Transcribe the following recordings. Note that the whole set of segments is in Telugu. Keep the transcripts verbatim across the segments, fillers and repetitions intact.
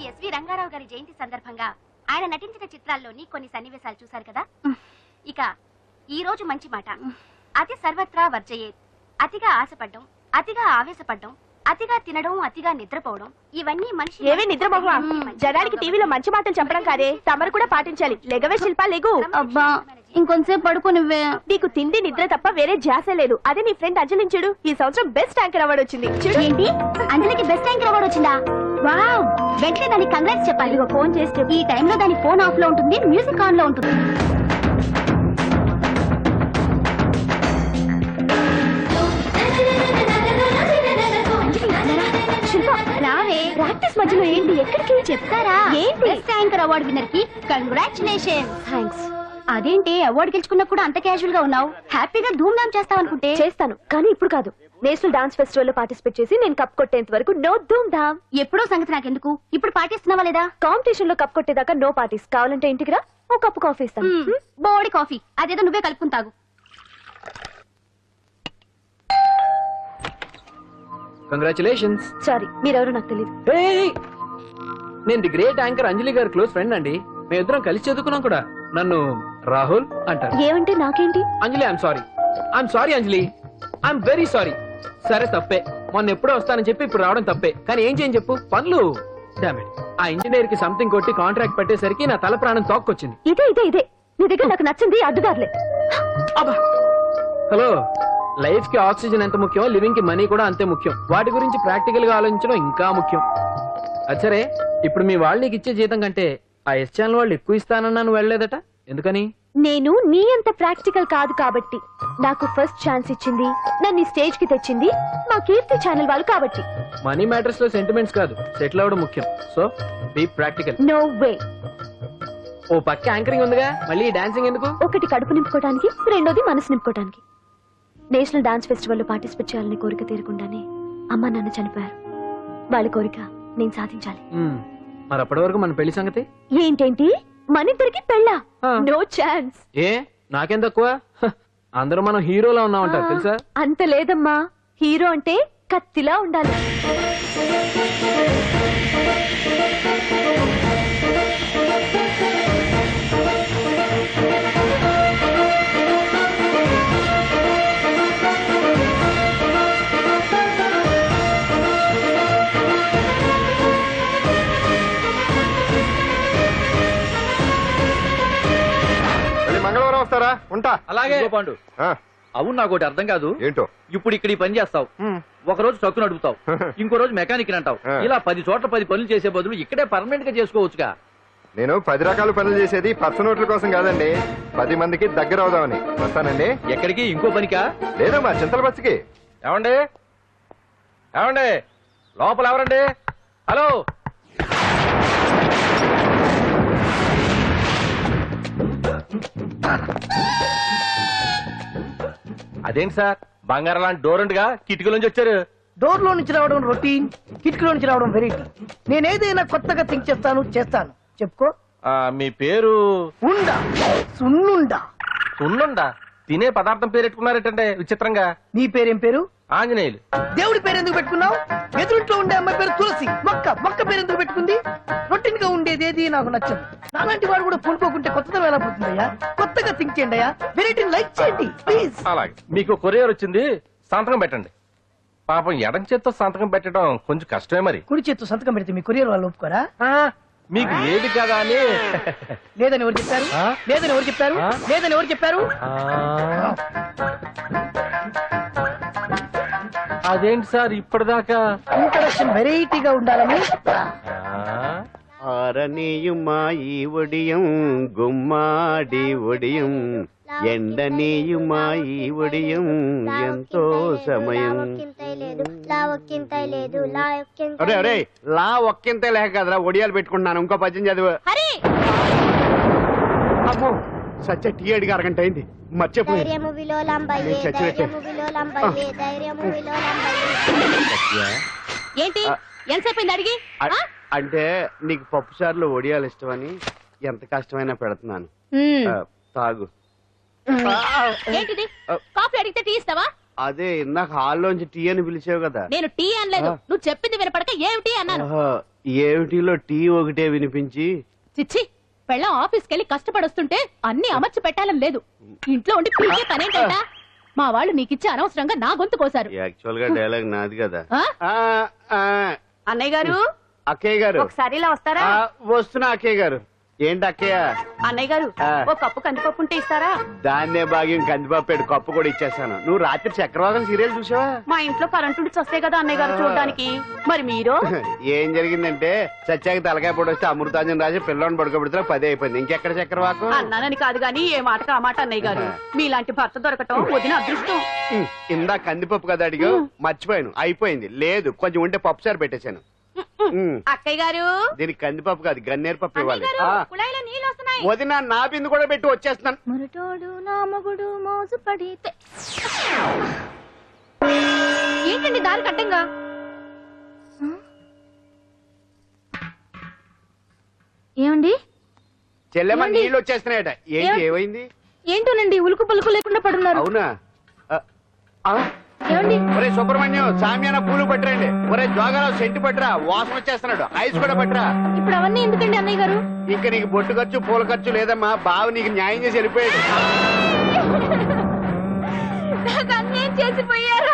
శ్రీ ఎస్వి రంగారావు గారి జయంతి సందర్భంగా ఆయన నటించిన చిత్రాల్లోని కొన్ని సన్నివేశాలు చూశారు కదా. ఇక ఈ రోజు మంచి మాట. అతి సర్వత్రా వర్జయేత్. అతిగా ఆశపడ్డం, అతిగా ఆవేశపడ్డం, అతిగా తినడం, అతిగా నిద్రపోవడం, ఇవన్నీ మనిషి ఏవే నిద్రపోవా. జనానికి టీవీలో మంచి మాటలు చెప్పడం కాదే, తమరు కూడా పాటించాలి. లెగవే శిల్పా, లెగు. అబ్బా ఇంకొంచెంసేపు పడుకో నువ్వే. నీకు తిండి నిద్ర తప్ప వేరే ధ్యాస లేదు. అదే నీ ఫ్రెండ్ అంజలించుడు, ఈ సంవత్సరం బెస్ట్ యాంకర్ అవార్డు వచ్చింది. ఏంటి, అంజలికి బెస్ట్ యాంకర్ అవార్డు వచ్చిందా? వావ్, వెంటనే దానికి కంగ్రాట్స్ చెప్పాలి. ఫోన్ చేస్తే ఈ టైంలో దాని ఫోన్ ఆఫ్ లో ఉంటుంది, మ్యూజిక్ ఆన్ లో ఉంటుంది. రావే, ప్రాక్టీస్ మధ్యలో ఏంటి, ఎక్కడికి చెప్తారా? ఏంటి? బెస్ట్ యాంకర్ అవార్డు విన్నర్ కి కంగ్రాచులేషన్స్. థ్యాంక్స్. అదేంటి అవార్డు గెలుచుకున్నా కూడా అంత క్యాజువల్ గా ఉన్నావు? హ్యాపీగా ధూమ్ ధామ్ చేస్తావు అనుకుంటే. చేస్తాను, కానీ ఇప్పుడు కాదు. నేషనల్ డాన్స్ ఫెస్టివల్ లో పార్టిసిపేట్ చేసి నేను కప్ కొట్టేంత వరకు నో ధూమ్ ధామ్. ఎప్పుడో సంగతి నాకెందుకు, ఇప్పుడు పాటిస్తున్నావా లేదా? కాంపిటీషన్ లో కప్ కొట్టేదాకా నో పార్టీస్. కావాలంటే ఇంటికి రా, ఓ కప్పు కాఫీ ఇస్తాను. బోడి కాఫీ అదేదో నువ్వే కలుపుకుని తాగు. కంగ్రాచులేషన్స్. సారీ, మీరెవరో నాకు తెలియదు. నేను ది గ్రేట్ యాంకర్ అంజలి గారి క్లోజ్ ఫ్రెండ్ అండి. మేమిద్దరం కలిసి చదువుకున్నాం కూడా. నన్ను రాహుల్ అంటారు. ఏమంటే నాకేంటి? Anjali, I'm sorry. I'm sorry Anjali, I'm very sorry. సరే తప్పే, మొన్న ఎప్పుడో వస్తానని చెప్పి ఇప్పుడు రావడం తప్పే. కానీ ఏం చేయని చెప్పు, పనులు. డామిట్, ఆ ఇంజనీర్ కి సంథింగ్ కొట్టి కాంట్రాక్ట్ పెట్టేసరికి నా తల ప్రాణం తోక్కొచ్చింది. ఇదే ఇదే ఇదే నీ దగ్గర నాకు నచ్చింది అడ్డుదారులే. హలో, లైఫ్ కి ఆక్సిజన్ ఎంత ముఖ్యం, లివింగ్ కి మనీ కూడా అంతే ముఖ్యం. వాటి గురించి ప్రాక్టికల్ గా ఆలోచించడం ఇంకా ముఖ్యం. అచ్చరే, ఇప్పుడు మీ వాళ్ళు నీకు ఇచ్చే జీతం కంటే ఆ ఎస్ ఛానల్ వాళ్ళు ఎక్కువ ఇస్తానన్నా నువ్వు వెళ్ళలేదట, ఎందుకని? నేను నీ అంత ప్రాక్టికల్ కాదు కాబట్టి. నాకు ఫస్ట్ ఛాన్స్ ఇచ్చింది, నన్ను స్టేజ్ కి తెచ్చింది మా కీర్తి ఛానల్ వాళ్ళు కాబట్టి. మనీ మ్యాటర్స్ లో సెంటిమెంట్స్ కాదు, సెటిల్ అవ్వడం ముఖ్యం. So be practical. No way. ఓ పక్క యాంకరింగ్ ఉందిగా, మళ్ళీ డాన్సింగ్ ఎందుకు? ఒకటి కడుపు నింపుకోవడానికి, రెండోది మనసు నింపుకోవడానికి. నేషనల్ డాన్స్ ఫెస్టివల్ లో పార్టిసిపేట్ చేయాలని కోరిక తీరకుండానే అమ్మ నాన్న చనిపోయారు. వాళ్ళ కోరిక నేను సాధించాలి. మరి అప్పటి వరకు మన పెళ్లి సంగతి ఏంటేంటి, మన ఇద్దరికి పెళ్ళా? No chance. ఏ నాకేం తక్కువ? అందరూ మనం హీరోలా ఉన్నామంటారు తెలుసా? అంత లేదమ్మా, హీరో అంటే కత్తిలా ఉండాలి. మంగళవారం వస్తారా? ఉంటా. అలాగే పాండు. అవును, నాకు ఒకటి అర్థం కాదు. ఏంటో? ఇప్పుడు ఇక్కడ ఈ పని చేస్తావు, ఒక రోజు ట్రక్కు నడుపుతావు, ఇంకో రోజు మెకానిక్ అంటావు. ఇలా పది చోట్ల పది పనులు చేసే బదులు ఇక్కడే పర్మనెంట్ గా చేసుకోవచ్చుగా. నేను పది రకాల పనులు చేసేది పచ్చ నోట్ల కోసం కాదండి, పది మందికి దగ్గర అవుదామని. వస్తానండి. ఎక్కడికి? ఇంకో పనికా? లేదమ్మా, చింతల బస్సుకి. ఏమండి ఏమండి లోపల ఎవరండి? హలో, అదేంటి సార్, బంగారం లాంటి డోర్ ఉండగా కిటికీ నుంచి వచ్చారు? డోర్ లో నుంచి రావడం రొటీన్, కిటికీలో నుంచి రావడం వెరైటీ. నేనేదైనా కొత్తగా థింక్ చేస్తాను చేస్తాను. చెప్పుకో. మీ పేరు? ఉండా, సున్నుండా. సున్నుండా? తినే పదార్థం పేరు పెట్టుకున్నారేటంటే విచిత్రంగా. నీ పేరేం పేరు? ఆంజనేయులు. దేవుడి పేరు ఎందుకు పెట్టుకున్నావు? ఎదురుంట్లో ఉండే అమ్మాయి పేరు తులసి. మొక్క మొక్క పేరు ఎందుకు పెట్టుకుంది? రొటీన్ గా ఉండేది ఏది నాకు నచ్చదు. నాలాంటి వాడు కూడా పూనుకోకుంటే కొత్తదనం ఎలా పోతుందయ్యా? కొత్తగా థింక్ చేయండి అయ్యా, వెరైటీని లైక్ చేయండి ప్లీజ్. అలాగే. మీకు కొరియర్ వచ్చింది, సంతకం పెట్టండి. పాపం ఎడం చేత్తో సంతకం పెట్టడం కొంచెం కష్టమే. మరి కుడి చేత్తు సంతకం పెడితే మీ కొరియర్ వాళ్ళు ఒప్పుకోరా? మీకు ఏది కదా అని. లేదని ఎవరు చెప్పారు? లేదని ఎవరు చెప్పారు? లేదని ఎవరు చెప్పారు? అదేంటి సార్ ఇప్పటిదాకా ఇంట్రడక్షన్ వెరైటీగా ఉండాలని. ఆరనీయుమాయి ఒడియం గుమ్మాడి ఒడియం ఎండనీయుమాయి ఒడియం ఎంతో సమయం. అరే అరే లా ఒక్కింతే లేక కదరా ఒడియాలు పెట్టుకుంటున్నాను. ఇంకో పద్యం చదువు. అమ్మో, సత్య టీ అడిగి అరగంట అయింది, మర్చిపోయి ఏంటి ఎంతసేపు అడిగి? అంటే నీకు పప్పు సార్లు ఒడియాలు ఇష్టమని ఎంత కష్టమైనా పెడుతున్నాను, తాగు. ఏంటిది, కాఫీ అడిగితే టీ ఇస్తావా? అదే ఇందాక హాల్లోంచి టీ అని పిలిచావు కదా. నేను టీ అనలేదు, నువ్వు చెప్పింది వినపడక ఏమిటి అన్నాను. ఏమిటిలో టీ ఒకటే వినిపించి చిచ్చి పెళ్ళం ఆఫీస్కి వెళ్ళి కష్టపడొస్తుంటే అన్ని అమర్చి పెట్టాలని లేదు. ఇంట్లో ఉండి పీకే పనేంటా? మా వాళ్ళు నీకిచ్చి అనవసరంగా నా గొంతు కోసారు. యాక్చువల్ గా డైలాగ్ నాది కదా. ఆ? ఆ, ఆ, అన్నయ్య గారు అక్కయ్య గారు ఒకసారి ఇలా వస్తారా? ఆ, వస్తున్నా అక్కయ్య గారు. ఏంటి అక్కయ్య? అన్నయ్య గారు ఆ. ఒక కప్పు కందిపప్పు ఉంటే ఇస్తారా? దాన్నే భాగ్యం కందిపాపేడు కప్పు కూడా ఇచ్చేస్తాను. నువ్వు రాత్రి చక్రవాకం సీరియల్ చూసావా? మా ఇంట్లో కరెంటు వస్తే కదా అన్నయ్య గారు చూడడానికి. మరి మీరు ఏం జరిగిందంటే సత్యాకి తలకాయ పొడి వస్తే అమృతాంజన్ రాజు పిల్లని పడుకోబెడితే పదే అయిపోయింది. ఇంకెక్కడ చక్రవాకం? అన్నానని కాదు గాని ఏ మాటకు ఆ మాట అన్నయ్య గారు. మీలాంటి భర్త దొరకటం వదిన అదృష్టం. ఉమ్, ఇందా కందిపప్పు కదా అడిగా మర్చిపోయాను. అయిపోయింది. లేదు కొంచెం ఉంటే పప్పు సార్ పెట్టేశాను. ఉమ్, అక్కయ్య గారు దీనికి కందిపప్పు కాదు గన్నేరు పప్పు ఇవ్వాలి. అన్నయ్య ఆ, గారు, కుళాయిలో నీళ్ళు వస్తున్నాయి. వదిన నా బిందు కూడా పెట్టి వచ్చేస్తున్నాను. మురటోడు నా మగుడు మోజు పడితే ఏంటండి దారి కట్టంగా? ఏమండి చెల్లెమ్మ ఏమండి? నీళ్ళు వచ్చేస్తున్నాయట. ఏంటి ఏం- ఏమైంది? ఏంటోనండి ఉలుకు పలుకు లేకుండా పడున్నారు. అవునా? ఆ, ఆ, ఏమండి ఒరే సుబ్రహ్మణ్యం సామ్యాన పూలు పట్టరండి. ఒరే జోగారావు సెంటు పట్టరా, వాసన వచ్చేస్తున్నాడు. ఐస్ కూడా పట్టరా. ఇప్పుడు అవన్నీ ఎందుకండి అన్నయ్య గారు? ఇంకా నీకు బొట్టు ఖర్చు పూల ఖర్చు లేదమ్మా. బావ నీకు న్యాయం చేసి వెళ్ళిపోయాడు. నాకు అన్యాయం చేసిపోయారు.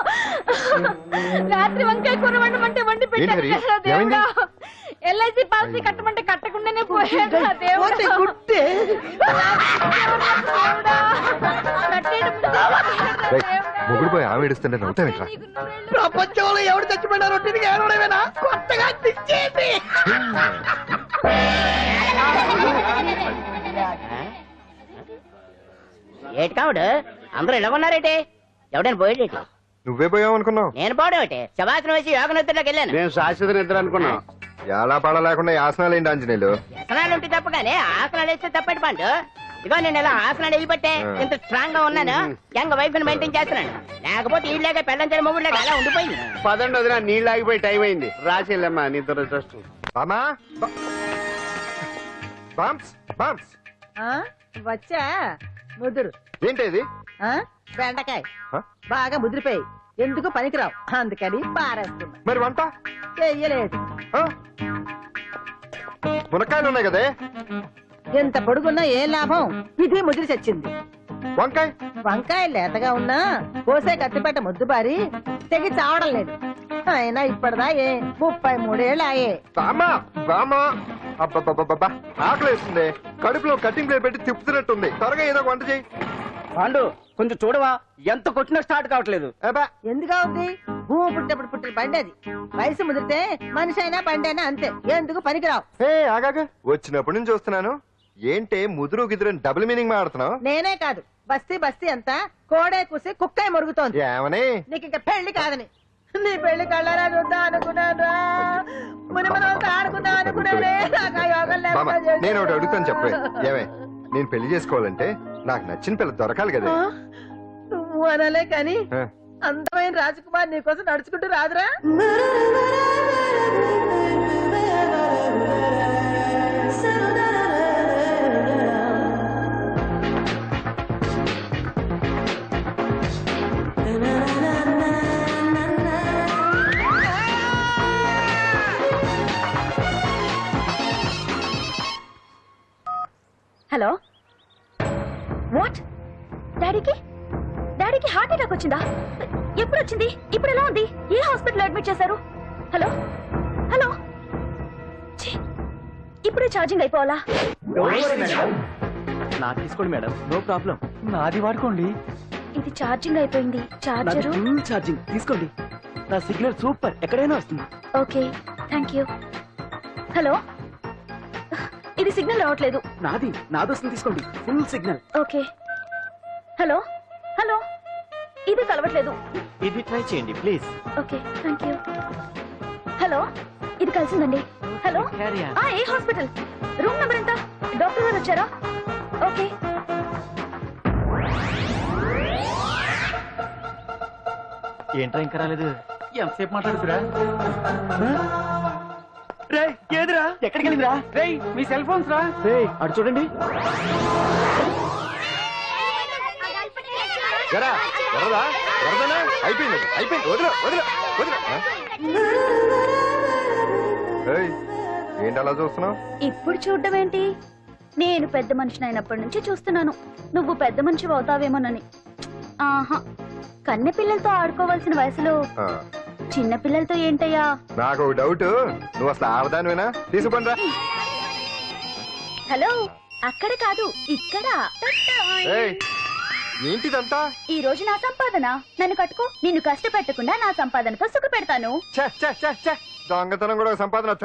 రాత్రి వంకాయ కూర వండమంటే వండి పెట్టారు ఏంటి కదా హరి? ఏమైంది? దేవుడా. ఎల్ఐసి పాలసీ కట్టమంటే కట్టకుండానే పోయాడు కదా దేవుడా. పోతే గుట్టే. దేవుడా. కట్టేయడం ముందే పోయాడు రేయ్, దేవుడా. మొగుడు పోయి ఆమె ఏడుస్తుంటే నవ్వుతావేట్రా? నీకు నూరేళ్ళు. ప్రపంచంలో ఎవడు చచ్చిపోయినా రొట్టెనికి ఏడవడమేనా? కొత్తగా తెచ్చేది. ఏటి కావుడు అందరూ ఇలా ఉన్నారేటి? ఎవడైనా పోయేటి? నువ్వే పోయావు అనుకున్నావు. నేను పోవడం ఏంటి? శవాసనం వేసి యోగ నిద్రలోకి వెళ్ళాను. నేను శాశ్వత నిద్ర అనుకున్నాను. ఎలా పాడ లేకుండా యాసనాలు ఏంటి ఆంజనేయులు? వ్యసనాలు ఉంటే తప్ప కానీ ఆసనాలు వేస్తే తప్పటి పండు. ఇదిగో నేను ఇలా ఆసనాలు వెళ్ళిపట్టే ఇంత స్ట్రాంగ్ గా ఉన్నాను. యంగ్ వైఫ్ ని మెయింటైన్ చేస్తున్నాను. లేకపోతే ఈ లేక పెళ్ళంచని మొగుడు లేక అలా ఉండిపోయింది. పదండి వదిన, నీళ్ళు ఆగిపోయి టైం అయింది. రాసేళ్ళమ్మా నీ దురదృష్టం. బామా బామ్స్ బామ్స్ వచ్చా ముదురు ఏంటి ఇది? ఆ? బెండకాయ ఆ? బాగా ముదిరిపోయి ఎందుకు పనికిరావు అందుకని పారేస్తున్నా. మరి వంట చెయ్యలేదు. ఆ? మునక్కాయలు ఉన్నాయి కదే. ఎంత పొడుగున్నా ఏం లాభం? ఇది ముదిరి చచ్చింది. వంకాయ వంకాయ లేతగా ఉన్నా కోసే కత్తిపేట ముద్దు బారి తెగి చావడం లేదు. అయినా ఇప్పటిదా ఏ ముప్పై మూడేళ్ళు ఆయే. బామా బామా అబ్బబ్బబ్బబ్బా ఆకలి వేస్తుంది. కడుపులో కటింగ్ ప్లేట్ పెట్టి తిప్పుతున్నట్టుంది. త్వరగా ఏదో ఒక వంట చేయి. పాండు కొంచెం చూడవా, ఎంత కొట్టినా స్టార్ట్ కావట్లేదు. అబ్బా ఎందుగా ఉంది? భూమి పుట్టినప్పుడు పుట్టిన బండి అది. వయసు ముదిరితే మనిషి అయినా బండి అయినా అంతే. ఎందుకు పనికిరావు. ఏ ఆగాక వచ్చినప్పటి నుంచి చూస్తున్నాను. ఏంటే ముదురు గిదురు డబుల్ మీనింగ్ మాడుతున్నావు? నేనే కాదు బస్తీ బస్తీ అంతా కోడే కూసి కుక్కాయ మురుగుతోంది. ఏమని? నీకు ఇంకా పెళ్లి కాదని. నీ పెళ్లి కళ్ళరా చూద్దాం అనుకున్నాను. ముని మనం అంతా ఆడుకుందాం అనుకున్నానే. నాకు ఆ యోగం బామ్మ, లేకుండా చేశారు. నేను ఒకటి అడుగుతాను చెప్పే. ఏమే నేను పెళ్లి చేసుకోవాలంటే నాకు నచ్చిన పిల్ల దొరకాలి కదా. ఆ? నువ్వు అనలే కాని ఆ. అందమైన రాజకుమార్ నీకోసం నడుచుకుంటూ రాదురా. Hello what? డాడీకి డాడీకి హార్ట్ అటాక్ వచ్చిందా? ఎప్పుడు వచ్చింది? ఇప్పుడు ఎలా ఉంది? ఏ హాస్పిటల్ అడ్మిట్ చేశారు? హలో హలో ఛీ, ఇప్పుడే ఛార్జింగ్ అయిపోవాలా? నాకు తీసుకోండి మేడం, నో ప్రాబ్లం. నాది వాడుకోండి. ఇది ఛార్జింగ్ అయిపోయింది. చార్జరు ఫుల్ ఛార్జింగ్ తీసుకోండి. నా సిగ్నల్ సూపర్, ఎక్కడైనా వస్తుంది. Okay thank you. హలో ఇది సిగ్నల్ రావట్లేదు. నాది నాది వస్తుంది, తీసుకోండి. Full signal. Okay hello hello ఇది కలవట్లేదు. ఇది ట్రై చేయండి please. Okay thank you. Hello ఇది కలిసిందండి. Hello Carry on. ఆ, ఏ హాస్పిటల్? రూమ్ నెంబర్ ఎంత? డాక్టర్ గారు వచ్చారా? ఓకే ఏంట్రా ఇంకా రాలేదు? ఎంతసేపు మాట్లాడుతురా? రే ఏదిరా? ఎక్కడికి వెళ్ళిందిరా? రే మీ సెల్ ఫోన్స్ రా. రే అటు చూడండి. ఎరా ఎర్రదా ఎర్రదనా? అయిపోయింది అయిపోయింది. వదిలే వదిలే వదిలే. ఆ? ఏయ్, ఏంటి అలా చూస్తున్నావు? ఇప్పుడు చూడడం ఏంటి? నేను పెద్ద మనిషిని అయినప్పటి నుంచి చూస్తున్నాను నువ్వు పెద్ద మనిషి అవుతావేమోనని. ఆహా, కన్నె పిల్లలతో ఆడుకోవాల్సిన వయసులో చిన్న పిల్లలతో ఏంటయ్యా? నాకు ఒక డౌట్, నువ్వు అసలు ఆడదానివేనా? తీసుకుంటా. హలో, అక్కడ కాదు ఇక్కడ. ఏంటిదంతా? ఈ రోజు నా సంపాదన, నన్ను కట్టుకో. నిన్ను కష్టపెట్టకుండా నా సంపాదనతో సుఖ పెడతాను. దొంగతనం కూడా ఒక సంపాదన.